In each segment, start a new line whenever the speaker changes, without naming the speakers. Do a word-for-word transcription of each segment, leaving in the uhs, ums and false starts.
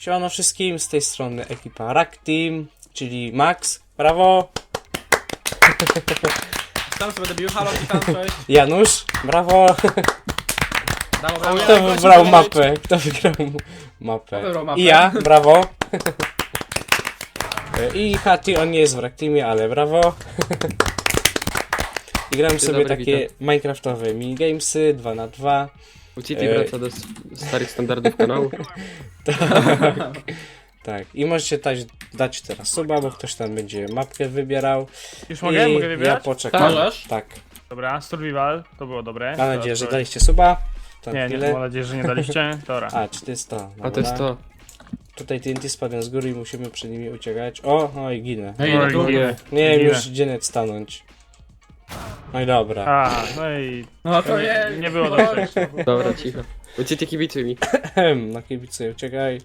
Siemano wszystkim, z tej strony ekipa Rack Team, czyli Max, brawo!
Tam sobie będę bił, halo, witam, cześć.
Janusz, brawo!
Brawo, brawo.
Kto wybrał mapę? Kto wygrał mapę?
Kto wybrał mapę?
I ja, brawo! I Hati, on nie jest w Rack Teamie, ale brawo! I gramy sobie
dobry,
takie
witam.
minecraftowe minigamesy, dwa na dwa.
Uciti
E,
wraca do s- starych standardów kanału.
Tak, i możecie dać, dać teraz suba, bo ktoś tam będzie mapkę wybierał.
Już mogę?
I
Mogę
ja
wybierać?
poczekam.
Możesz?
Tak.
Dobra, survival, to było dobre.
Mam nadzieję,
To-
że
to-
daliście suba. To
Nie, nie,
tyle.
mam nadzieję, że nie daliście. Dobra.
A, czy to jest to?
A to jest to.
Tutaj T N T spadłem z góry i musimy przed nimi uciekać. O, no i ginę.
No i idę
Oj,
tu.
ginę.
Nie wiem
ginę.
już gdzie net stanąć. No i dobra.
A, no i
No to nie,
nie było dobrze.
Dobra, cicho. Uciti kibicuj mi.
Ehem, na kibicy uciekaj.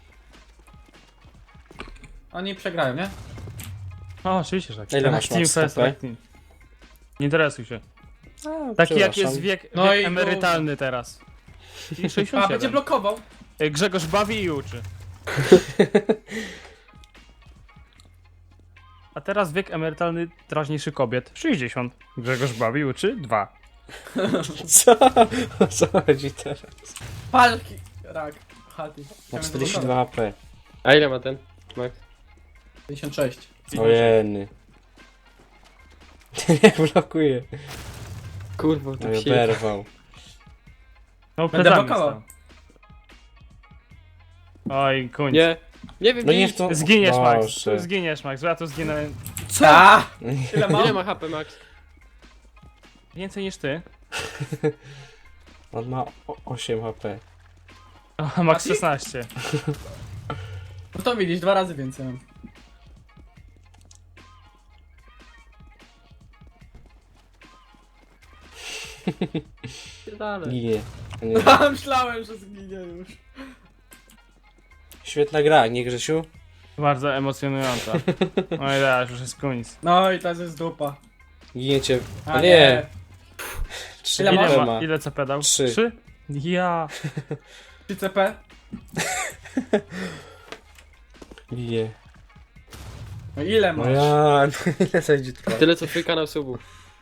Oni przegrają, nie?
O, oczywiście, że tak.
Ile masz
Team
max
first,
stopę?
Rack Team. Nie interesuj się.
A,
Taki jak
przepraszam.
jest wiek,
No
wiek
i
emerytalny teraz. I
A, będzie
sześćdziesiąt siedem.
blokował.
Ej, Grzegorz bawi i uczy. A teraz wiek emerytalny drażniejszy kobiet. sześćdziesiąt. Grzegorz bawi i uczy. dwa.
Co? O co chodzi teraz?
Palki. Rak. Hati.
Ma czterdzieści dwa H P.
A ile ma ten? Max?
pięćdziesiąt sześć.
Ojeny. Nie blokuje.
Kurwa,
No
to
i
się...
oberwał.
No,
Będę
plecami
blokował.
stał. Oj, kuń.
Nie! Nie wiem,
No
nie
nie w tą...
Zginiesz, Max.
Boże.
Zginiesz, Max. Ja to zginę
Co? Ile
Ile
mam?
ma H P Max?
więcej niż ty.
On ma o- osiem H P.
A Max
ty?
szesnaście.
No to widzisz, dwa razy więcej mam.
Dalej.
Ginie. Nie.
Myślałem, że zginie już.
Świetna gra, nie Grzesiu?
Bardzo emocjonująca. Oj, teraz już jest koniec.
No i teraz jest dupa.
Giniecie.
A
A nie. Trzy
Ile
ile
Ile,
ma?
ma, ile co pedał?
Trzy.
Trzy? Ja.
trzy C P.
Ginie.
No ile
No
masz?
ja... Ile to będzie trwało?
Tyle co twój kanał subu.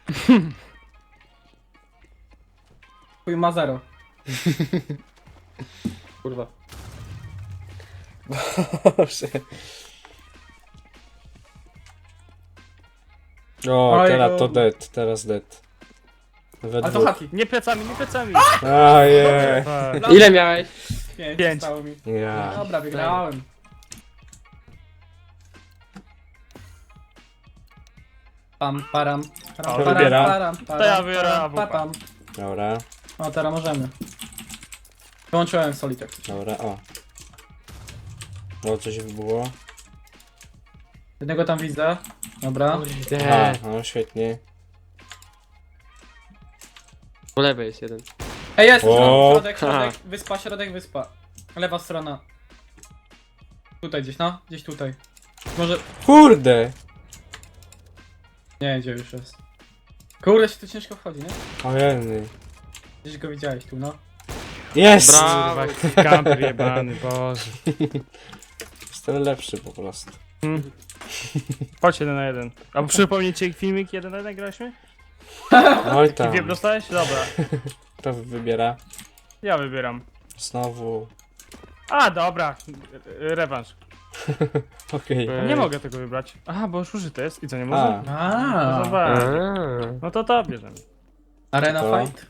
Twój ma zero.
Kurwa.
Boże. O,
Oj,
teraz to
no.
dead, teraz dead. We
Ale to
dwóch.
Hati.
Nie plecami, nie plecami.
Ojej.
Tak.
Ile miałeś?
Pięć.
Pięć.
Zostało mi.
Ja.
Dobra, wygrałem. Pam, param. param,
O,
param,
wybiera.
param, param,
To ja wybiorę
param,
A W P.
papam.
Dobra,
O, teraz możemy. Wyłączyłem Solitek.
dobra, o. O, coś było.
Jednego tam widzę. Dobra.
A,
Kurde.
no świetnie.
Po lewej jest jeden.
Ej, jest!
O!
Środek, środek, wyspa, środek, wyspa. Lewa strona. Tutaj gdzieś, no. Gdzieś tutaj. Może...
Kurde!
Nie, gdzie już jest. Kurde, się tu ciężko wchodzi, nie?
Ojeny.
Gdzieś go widziałeś tu, no.
Jest!
Brawo.
Kurwa, kamper jebany, boże.
Jestem lepszy po prostu.
Hmm. Chodź jeden na jeden. A przypomnijcie filmik jeden na jeden graliśmy?
Oj
I
tam.
wiem, dostałeś? Dobra.
Kto wybiera?
Ja wybieram.
Znowu.
A, dobra. Re- Rewanż.
Okej.
A nie mogę tego wybrać. Aha, bo już użyte jest. I co, nie
A,
może? No
A,
zobacz.
Aaa.
No to to bierzemy.
Arena
To.
Fight.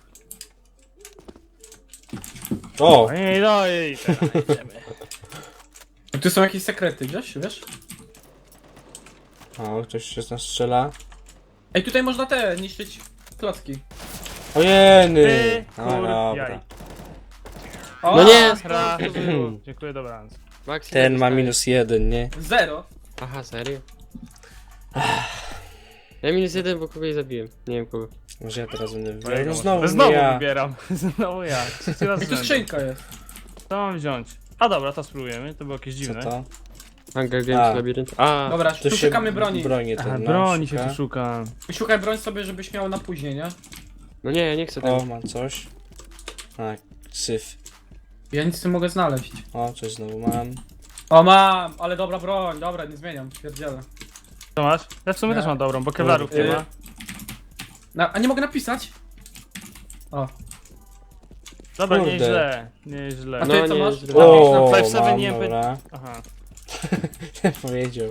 o!
Ej, no i teraz idziemy.
Tu są jakieś sekrety, wiesz? Wiesz?
O, ktoś się z nas strzela.
Ej, tutaj można te niszczyć klocki.
Ojeny!
Ty,
A,
kur,
dobra.
jaj.
O,
No nie!
Ra,
skąd to było?
Dziękuję, dobranoc.
Max, ile
Ten ma
dostałeś?
minus jeden, nie?
Zero.
Aha, serio? Ja minus jeden, bo kogoś zabiłem. Nie wiem kogo.
Może ja teraz będę wybierał.
Mojego
No
może.
znowu,
Znowu
nie ja.
wybieram. Znowu ja. Trzeci raz
Ej, tu
z rzędu.
skrzynka jest.
Co mam wziąć? A dobra, to spróbujemy. To było jakieś
Co
dziwne.
to?
Hunger
A.
Games, labirynt. A,
Dobra,
Tu
tu
się
szukamy broni.
broni
Aha,
ten, no,
broni się
szuka.
tu szuka.
Szukaj broń sobie, żebyś miał na później, nie?
no nie, ja nie chcę tego.
O, mam coś. A, syf.
Ja nic nie mogę znaleźć.
O, coś znowu mam.
O mam, ale dobra broń, dobra, nie zmieniam, pierdzielę.
Co masz? Ja w sumie
Ja.
też mam dobrą, bo kewlarów nie
Yy,
ma.
Na, a nie mogę napisać? O,
Dobra,
kurde.
nieźle, nieźle.
A
No,
ty co
nie,
masz?
źle.
O,
Five seven
mam,
nie by-
dobra.
Aha.
Powiedział.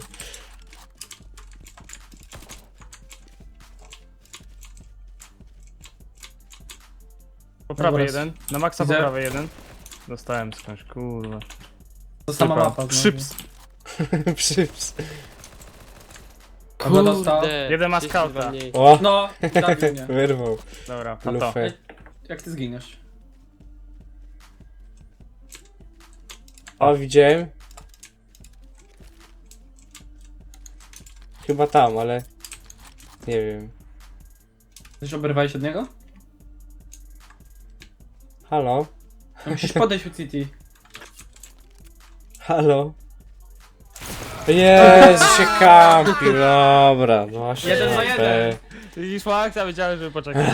Po prawej
Dobra.
jeden. Na maksa po
Widzę.
prawej jeden. Dostałem skądś, kurwa.
to sama
Tylko
mapa znowu.
Szyps.
Przyps.
Dobra, dostał.
Kurde.
Jeden ma
trzydzieści dwa
skauta.
mniej.
O,
No, zabił mnie.
wyrwał
Dobra, a to.
lufę.
Jak ty zginiesz?
O, widziałem. Chyba tam, ale... Nie wiem.
Coś oberwałeś od niego?
Halo?
No, musisz podejść u City.
Halo? Jezu, się kampi, dobra, no właśnie.
Jeden na jeden.
Widzisz, Max? Ja wiedziałem, żeby poczekać.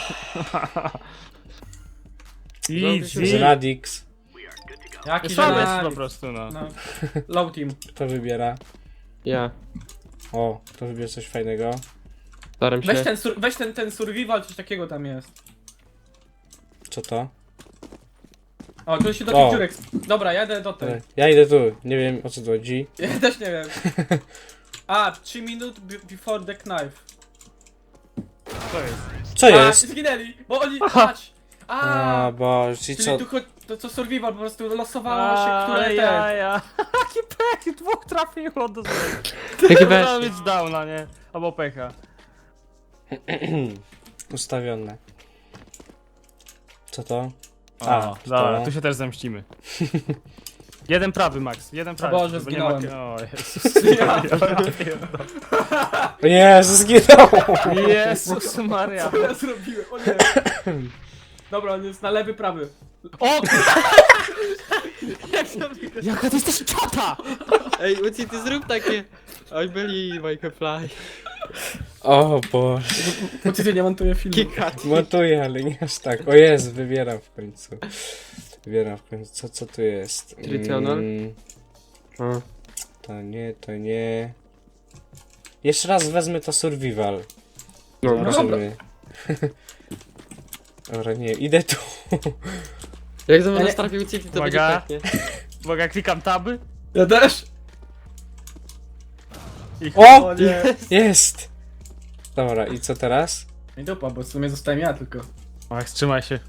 Z
Easy.
Radix.
Jaki
Słaby jest
żenari.
po prostu, no.
No. Low team.
Kto wybiera?
Ja.
O, kto wybiera coś fajnego?
Staram się.
Weź ten, sur- weź ten, ten survival, coś takiego tam jest.
Co to?
O, tu się do
O.
tych dziurek. Dobra, jadę do tej.
Ja idę tu, nie wiem o co tu chodzi.
Ja też nie wiem. A, trzy minut be- before the knife.
To jest.
Co
A,
jest?
zginęli, bo oni, patrz. A,
A, boże, czyli
czyli
co?
tu cho- to co survival, po prostu losowało się, które
ja,
te.
ja. Jaki pech, dwóch trafiło do złego.
Taki
Trzeba
weź.
mieć downa, nie? Albo pecha.
Ustawione. Co to?
A,
A,
dobra,
to-
tu się też zemścimy. Jeden prawy, Max, jeden prawy.
Boże,
bo nie ma...
zginąłem.
O, Jezus.
Ja.
O Jezu, zginął!
Jezus Maria.
Co ja zrobiłem? O nie. Dobra, on jest na lewy, prawy.
O! Jaka to jesteś czata!
Ej, Uci, ty zrób takie. I believe I can fly.
O Boże.
Bo ty nie montuje filmu.
Kikat.
Montuję, ale nie aż tak. O Jezu, wybieram w końcu. Wybieram w końcu. Co, co tu jest?
Tritonal?
Mm,
O.
to nie, to nie. Jeszcze raz wezmę to survival.
Dobra.
Zobaczymy. Dobra, nie, idę tu.
Jak za mną
Ja nie-
trafił Uci, to
Uwaga.
będzie peknie.
Uwaga, klikam taby.
Ja też.
I
O!
O nie.
Jest! Dobra, i co teraz?
I dupa, bo w sumie zostałem ja tylko.
Max, trzymaj się.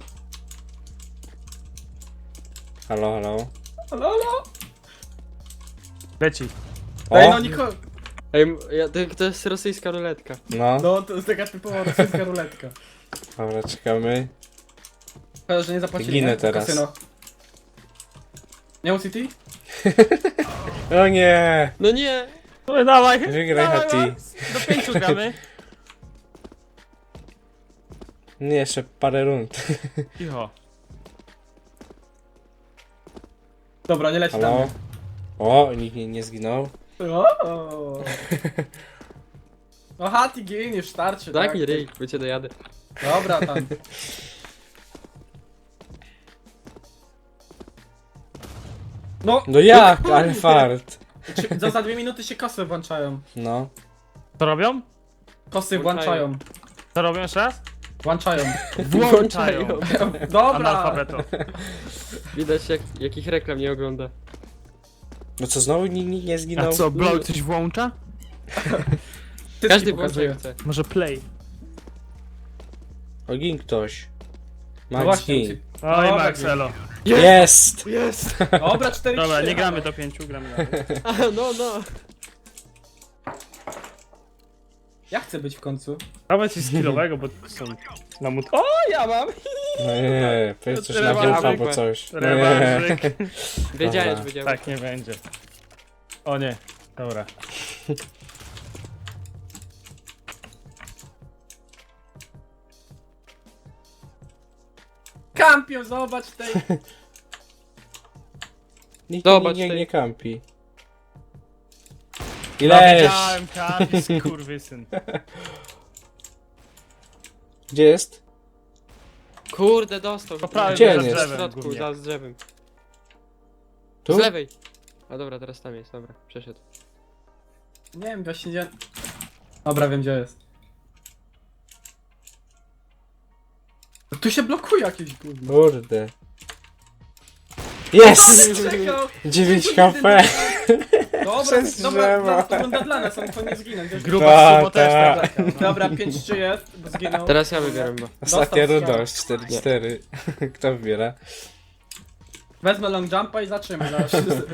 Halo, halo.
Halo, halo.
Leci.
Ej, no
O!
Niko.
Ej, m- ja, to, to jest rosyjska ruletka.
No,
No, to jest taka typowa rosyjska ruletka.
dobra, czekamy.
Szkoda, że nie zapłacili,
Ginę
nie?
teraz.
Kasyno. Nie u City?
O nie!
No nie!
No dawaj,
Wygraj,
dawaj,
Hati.
Max. Do pięciu gramy.
Nie, jeszcze parę rund.
Cicho.
Dobra, nie leci na
Halo?
mnie.
O, nikt nie, nie zginął.
O. No Hati giniesz, starczy,
Daj
tak?
mi ryj, bo cię dojadę.
Dobra, tam. No,
No jak? Ale fart.
czy- za, za dwie minuty się kosy włączają.
No.
Co robią?
Kosy
Włączają.
włączają.
Co robią jeszcze raz?
Włączają.
Włączają.
Dobra.
Analfabeto.
Widać jak, jakich reklam nie ogląda.
No co, znowu nikt, nikt nie
A
zginął?
co, Blow coś włącza?
Ty
Każdy
pokazuje.
włącza jak chce.
Może play.
O, gin ktoś.
No
Max
właśnie.
gin.
Oj,
Dobra,
Max, elo.
Jest!
Jest!
Dobra, cztery
Dobra,
trzy,
nie gramy
halo.
do pięciu, gramy dalej.
A, no, no.
Ja chcę być w końcu.
Dawaj coś skillowego, bo są na mut... O, ja mam!
No nie, powiedz coś na
Rewanżyk.
wieżę albo coś. No nie.
Rewanżyk.
Wiedziałem,
Dobra.
że wiedziałem.
Tak nie będzie. O nie, dobra.
Kampion, zobacz tej.
Nikt
Zobacz
nie, nie,
tej-
nie kampi.
Ja
Ileż?
wiedziałem, kapis, kurwysyn.
Gdzie jest?
Kurde, dostał.
Po prawej
Gdzie
za
on jest?
W
drzewem
środku,
głównie.
za z drzewem.
Tu?
Z lewej. A dobra, teraz tam jest, dobra, przeszedł.
Nie wiem, właśnie gdzie... Dobra, wiem gdzie jest. Tu się blokuje jakieś gówno.
Kurde. Jest!
Czekał!
dziewięć HP!
Dobra,
Przez
dobra,
drzewo.
dobra, to runda dla nas, on to nie zginął. Gdzieś...
Gruba
Ta,
sumo też
ta.
tak zagrał.
Dobra, pięć trzy jest, bo zginął.
Teraz ja wybieram chyba.
Ostatnia
Dostał
runda,
strzał.
cztery cztery. Kto wybiera?
Wezmę long jumpa i zatrzymaj. zaraz.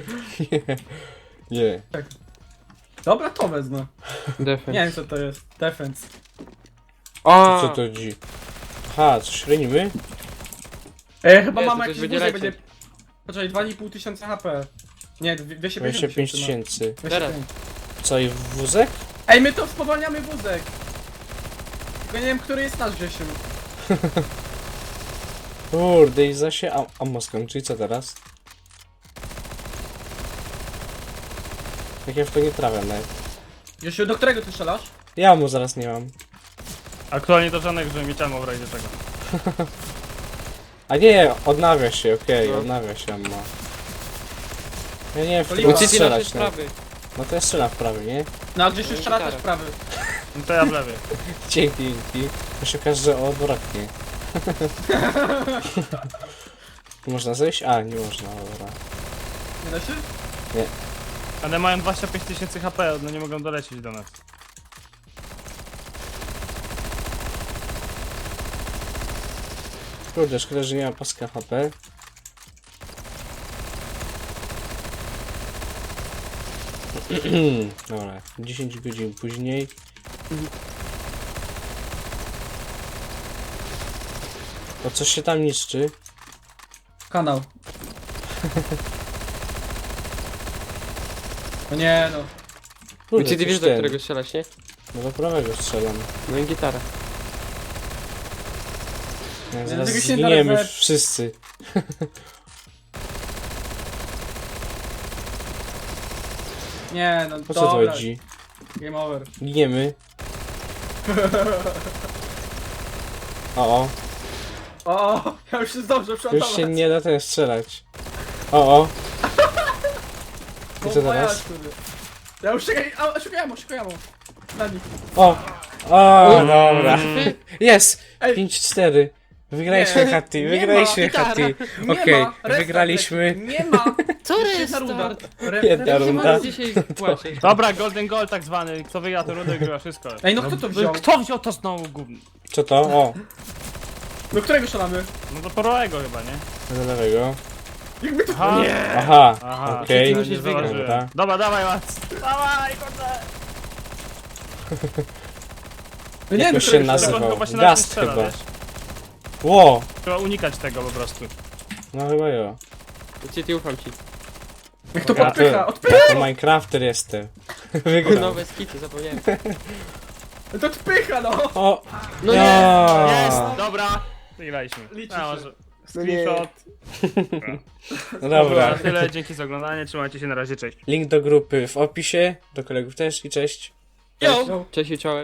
Nie.
Dobra, to wezmę.
Defense.
Nie wiem co to jest. Defense.
O!
Co to dzi? Aha, coś renimy?
Ej, chyba
Nie,
mamy
to
jakiś
coś
wózek,
będzie
będzie... Poczekaj, dwa i pół tysiąca H P. Nie, dwieście
dwadzieścia pięć
tysięcy.
tysięcy.
no.
Teraz.
dwieście pięć.
Co i wózek?
Ej, my to spowalniamy wózek. Tylko nie wiem, który jest nasz, Grzesiu.
Kurde, i za się am ammo skończy, i co teraz? Jak ja w to nie trafiam nawet.
Grzesiu, do którego ty strzelasz?
Ja mu zaraz nie mam.
Aktualnie to żadnych, żeby mieć ammo w razie czego.
A nie, odnawia się, okej,
No.
odnawia się ammo. Ja nie wiem, w
To
którą
lipa.
Ucici nasze
strzelać. No.
sprawy.
no to ja strzelam w prawy, nie?
No, a Grzesiu
No,
strzela
gitara.
też prawy.
No to ja w lewie.
Dzięki, dzięki. To się okaże, że odwrotnie. Można zejść? A, nie można, dobra.
Nie da się?
Ale mają dwadzieścia pięć tysięcy H P, no nie mogą dolecieć do nas.
Kurde, szkoda, że nie ma paska H P. Dobra, dziesięć godzin później. O, coś się tam niszczy.
Kanał. O nie no.
Kurde,
Ucici, ty
coś
wiesz do
ten.
którego strzelasz, nie?
No do prawego strzelam.
No i gitara.
Ja zaraz
tego się
zginiemy
nawet-
wszyscy.
Nie no,
O co tu
dobra.
chodzi?
Game over.
Giniemy. O, o.
O, ja już się zdążę
Już
przeładować.
się nie da ten strzelać. O, o. I co teraz?
Ja już szukaj, a, szukaj ammo, szukaj ammo. Na nich.
O! O, dobra.
Mm.
Jest!
Ej.
pięć cztery. Wygraliśmy
Nie,
Hattie,
nie
wygraliśmy
ma,
Hattie.
Nie
Okej,
ma, restart
wygraliśmy.
leci. Nie ma.
Co
Jeszcze jedna runda.
restart?
Re,
Jedna
re,
runda.
Dzisiaj płaczę.
Dobra, golden goal tak zwany. Kto wygra to rundę, grywa wszystko.
Ej, no kto to wziął?
Kto wziął to znowu gówno?
Co to? O,
Do którego strzelamy?
No do porowego chyba, nie?
do lewego.
Jakby to...
Aha.
Nie.
Aha,
Aha,
okej.
okay.
musisz
nie
wygrać.
zauważyłem.
Dobra.
Dobra, dawaj Mac. Dawaj, kurde.
No nie
Jak
wiem,
to się
którego
nazywa?
strzelamy.
Tego chyba się nawet nie
Gast
strzela,
chyba.
wiesz?
Ło!
Trzeba unikać tego po prostu.
No chyba jo.
Ucici, ufam ci.
Niech to
Ja
podpycha,
to-
odpycha!
Ja to Minecrafter jestem. Wygrał.
Nowe skity, zapomniałem.
To odpycha, no!
O!
No nie!
Ja.
Jest, dobra. Wygraliśmy.
Liczy
A,
się.
może
No nie.
screenshot.
No
Dobra,
dobra.
tyle, dzięki za oglądanie, trzymajcie się, na razie, cześć.
Link do grupy w opisie, do kolegów też i cześć.
Yo! Cześć i czołem.